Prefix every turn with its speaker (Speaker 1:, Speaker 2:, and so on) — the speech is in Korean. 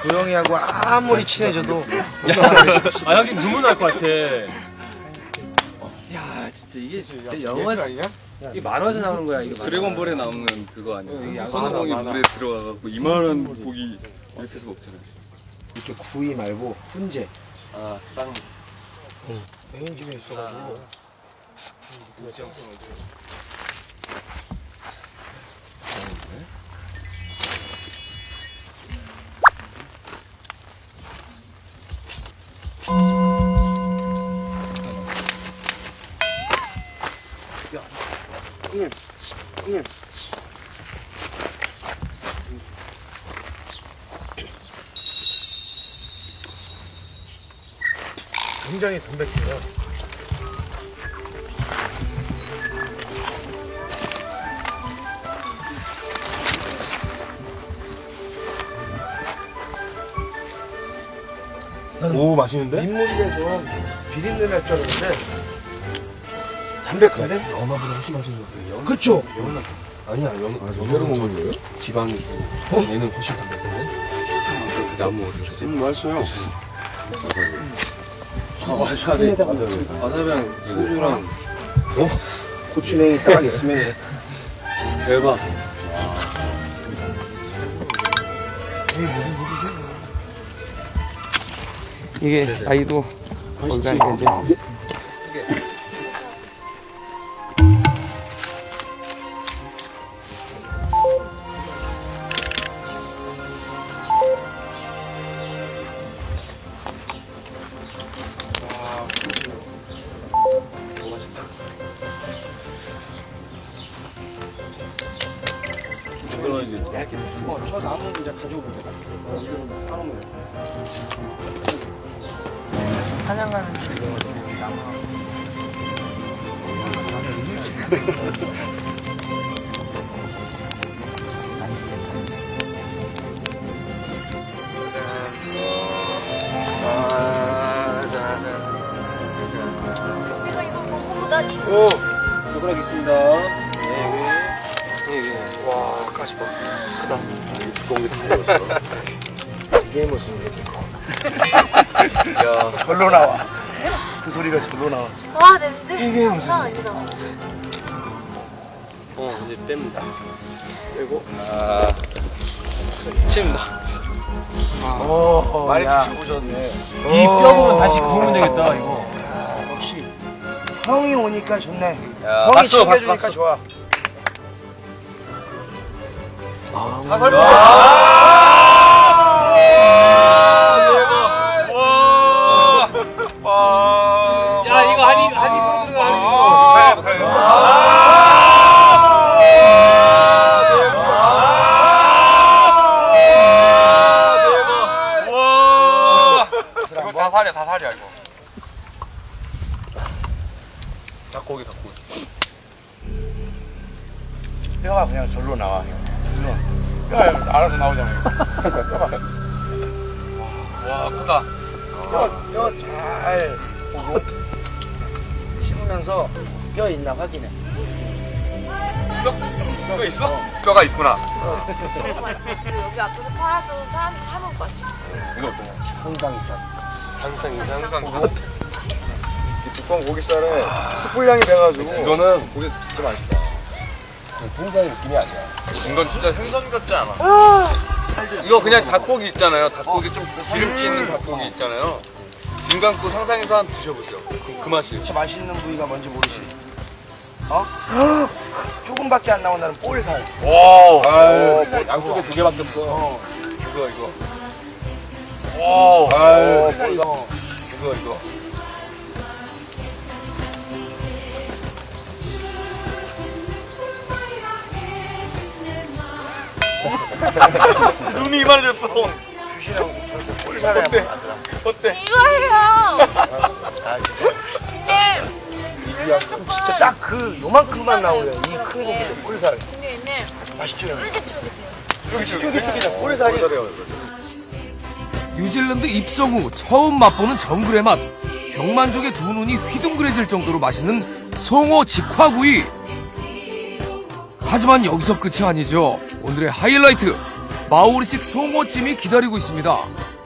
Speaker 1: 도영이하고 아무리 친해져도
Speaker 2: 아, 형 지금 눈물 날 것 같아. 야, 진짜 이게 진짜 영화
Speaker 1: 아니야?
Speaker 2: 이게 만화에서 나오는 거야, 이거.
Speaker 3: 드래곤볼에 나오는 그거 아니야? 손오공이 물에 들어가갖고 이만한 고기 이렇게 해서 먹잖아요.
Speaker 1: 이렇게 구이 말고 훈제.
Speaker 2: 아, 땅.
Speaker 1: 형인 집에 있어가지고. 굉장히 담백해요.
Speaker 4: 오, 맛있는데?
Speaker 1: 민물이라서 비린내 날 줄 알았는데 담백한데?
Speaker 4: 연어보다 훨씬 맛있는 것 같아요.
Speaker 1: 그쵸?
Speaker 4: 연어. 아니야, 연어로 먹는 거예요? 지방이 있고, 얘는 훨씬 담백한데? 나무 어디 맛있어요.
Speaker 3: 와사비랑 소주랑
Speaker 1: 고추냉이 딱 있으면
Speaker 3: 대박.
Speaker 5: 이게 아이도 거기가 이제
Speaker 1: 저 나무는 이제 가져오면 돼. 이거는 사놓으면 돼. 사냥 가는 지금 나무.
Speaker 6: 내가 이걸 먹어보다니.
Speaker 2: 오! 요거랑 있습니다.
Speaker 4: 와, 가시 봐. 크다. 두꺼운 게다 들어있어.
Speaker 1: 이게 무슨 얘기고. 야, 절로 나와. 그 소리가 절로 나와.
Speaker 6: 와 냄새. 이게 무슨? 아니다.
Speaker 2: 이제 뺍니다.
Speaker 1: 그리고
Speaker 2: 치입니다.
Speaker 1: 많이 드셔보셨네.
Speaker 2: 이 뼈 부분 다시 구우면 되겠다, 이거.
Speaker 1: 역시 형이 오니까 좋네.
Speaker 3: 야,
Speaker 1: 형이
Speaker 3: 박수,
Speaker 1: 챙겨주니까
Speaker 3: 박수.
Speaker 1: 좋아.
Speaker 2: 야, 이거 한입 보는 거 아니고.
Speaker 3: 이거 다 살이야, 다 살이야 이거. 닭고기.
Speaker 1: 뼈가 그냥 절로 나와. 뼈가 알아서 나오잖아요.
Speaker 3: 와, 크다.
Speaker 1: 뼈 잘 보고 씹으면서 뼈 있나 확인해.
Speaker 3: 뼈 있어? 뼈가 있구나.
Speaker 6: 여기 앞에서 팔아도 사람들이 사 먹을 것 같아.
Speaker 3: 이거 어떠냐?
Speaker 1: 상당 이상.
Speaker 3: 상상 이상.
Speaker 1: 이 두꺼운 고기살에 숯불향이 돼가지고
Speaker 3: 이거는
Speaker 1: 고기 진짜 맛있다.
Speaker 4: 생선의 느낌이 아니야.
Speaker 3: 이건 진짜 생선 같지 않아. 이거 그냥 닭고기 있잖아요. 닭고기 좀 기름기 있는 닭고기 있잖아요. 눈 감고 상상해서 한번 드셔보세요. 그 맛이에요.
Speaker 1: 진짜 맛있는 부위가 뭔지 모르시. 어? 조금밖에 안 나온다는 볼살.
Speaker 3: 오.
Speaker 4: 양쪽에 두 개밖에 없어.
Speaker 3: 이거. 오.
Speaker 1: 볼살 이거.
Speaker 3: 이거. 눈이 이만해졌어.
Speaker 1: 주시라고 저기서 볼살에
Speaker 3: 어때?
Speaker 1: 한번 만들어.
Speaker 3: 어때?
Speaker 6: 이거예요.
Speaker 1: 아 진짜. 진짜 딱 그 요만큼만 나오네. 이 큰 고기도 볼살.
Speaker 6: 근데 있네.
Speaker 1: 맛있죠?
Speaker 6: 쫄깃쫄깃해요.
Speaker 1: 쫄깃쫄깃한 볼살이.
Speaker 5: 뉴질랜드 입성 후 처음 맛보는 정글의 맛. 병만족의 두 눈이 휘둥그레질 정도로 맛있는 송어 직화구이. 하지만 여기서 끝이 아니죠. 오늘의 하이라이트 마오리식 송어찜이 기다리고 있습니다.